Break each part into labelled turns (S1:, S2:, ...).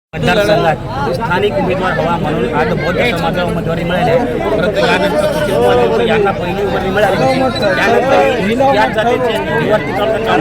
S1: मतदारसंघात स्थानिक उमेदवार हवा म्हणून आज बौद्ध समाजाला उमेदवारी मिळाली आहे. परंतु यानंतर सुशील मोदी यांना पहिली उमेदवारी मिळाली होती. त्यानंतर या जातीचे निवडणूक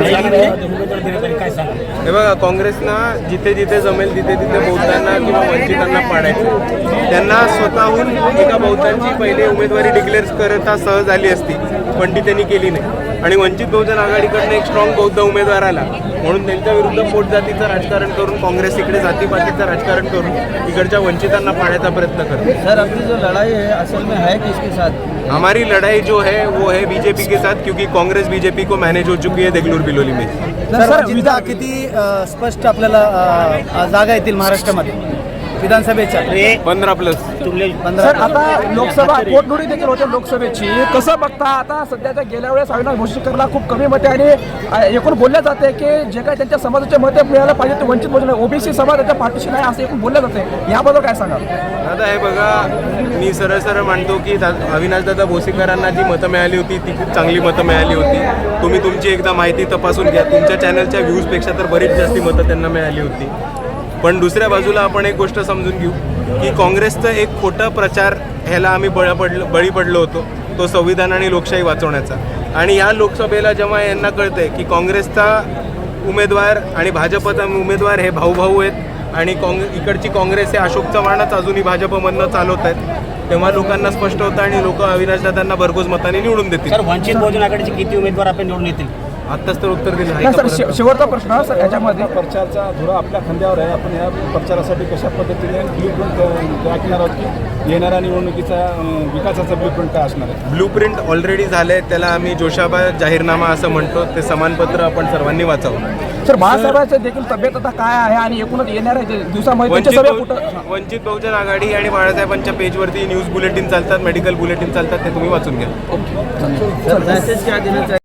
S1: उमेदवार दिले काय सांगा?
S2: हे बघा, काँग्रेसनं जिथे जिथे जमेल तिथे तिथे बौद्धांना किंवा वंचितांना पाडायचं. त्यांना स्वतःहून एका बौद्धांची पहिले उमेदवारी डिक्लेअर करता सहज आली असती, पण ती त्यांनी केली नाही. आणि वंचित बहुजन आघाडीकडनं एक स्ट्रॉंग बौद्ध उमेदवार आला म्हणून त्यांच्या विरुद्ध पोटजातीचं राजकारण करून काँग्रेस इकडे जातीपातीचं राजकारण करून इकडच्या वंचितांना पाडण्याचा प्रयत्न करते.
S3: सर, अपनी जो लड़ाई है असल में है किसके साथ?
S2: हमारी लड़ाई जो है वो है बीजेपी के साथ, क्योंकि कांग्रेस बीजेपी को मैनेज हो चुकी है देगलूर बिलोली में.
S4: सर, जिल्हा किती स्पष्ट आपल्याला जागा येतील महाराष्ट्रामध्ये विधानसभेच्या?
S2: 15+.
S5: सर, आता लोकसभा पोटनिवडणूक देखील होते लोकसभेची. कसं बघता आता सध्याच्या गेल्या वेळेस अविनाश भोसलेकरला खूप कमी मते आणि एकूण बोललं जाते की जे काही त्यांच्या समाजाचे मते मिळायला पाहिजे ते वंचित बहुजन ओबीसी समाज त्याच्या पाठीशी नाही असं एकूण बोललं जाते. याबद्दल काय सांगा?
S2: आता हे बघा, मी सरळ मानतो की अविनाशदादा भोसेकरांना जी मतं मिळाली होती ती खूप चांगली मतं मिळाली होती. तुम्ही तुमची एकदा माहिती तपासून घ्या. तुमच्या चॅनलच्या व्ह्यूजपेक्षा तर बरीच जास्ती मतं त्यांना मिळाली होती. पण दुसऱ्या बाजूला आपण एक गोष्ट समजून घेऊ की काँग्रेसचं एक खोटा प्रचार ह्याला आम्ही बळी पडलो होतो, तो संविधान आणि लोकशाही वाचवण्याचा. आणि ह्या लोकसभेला जेव्हा यांना कळतंय की काँग्रेसचा उमेदवार आणि भाजपचा उमेदवार हे भाऊ आहेत आणि इकडची काँग्रेस हे अशोक चव्हाणच अजूनही भाजपमधनं चालवत आहेत, तेव्हा लोकांना स्पष्ट होतं आणि लोक अविनाशदादांना भरघोस मताने निवडून देतील.
S1: सर, वंचित बहुजन आघाडीचे किती उमेदवार आपण निवडून येतील?
S2: आत्ताच तर उत्तर दिलं
S5: नाही
S2: आहे.
S5: सर, शेवटचा प्रश्न सर, याच्यामध्ये
S6: प्रचारचा धुरा आपल्या खांद्यावर आहे. आपण या प्रचारासाठी कशा पद्धतीने ब्लूप्रिंट राखणार आहोत की येणाऱ्या निवडणुकीचा विकासाचा ब्लूप्रिंट काय असणार आहे?
S2: ब्लूप्रिंट ऑलरेडी झालंय, त्याला आम्ही जोशाबा जाहीरनामा असं म्हणतो. ते समानपत्र आपण सर्वांनी वाचावं.
S5: सर, बाळासाहेबांचं देखील तब्येत आता काय आहे आणि एकूणच येणाऱ्या दिवसामध्ये त्यांच्या सभा कुठं?
S2: वंचित बहुजन आघाडी आणि बाळासाहेबांच्या पेजवरती न्यूज बुलेटिन चालतात, मेडिकल बुलेटिन चालतात, ते तुम्ही वाचून घ्या.
S3: सर, मैसेज क्या देना चाहिए?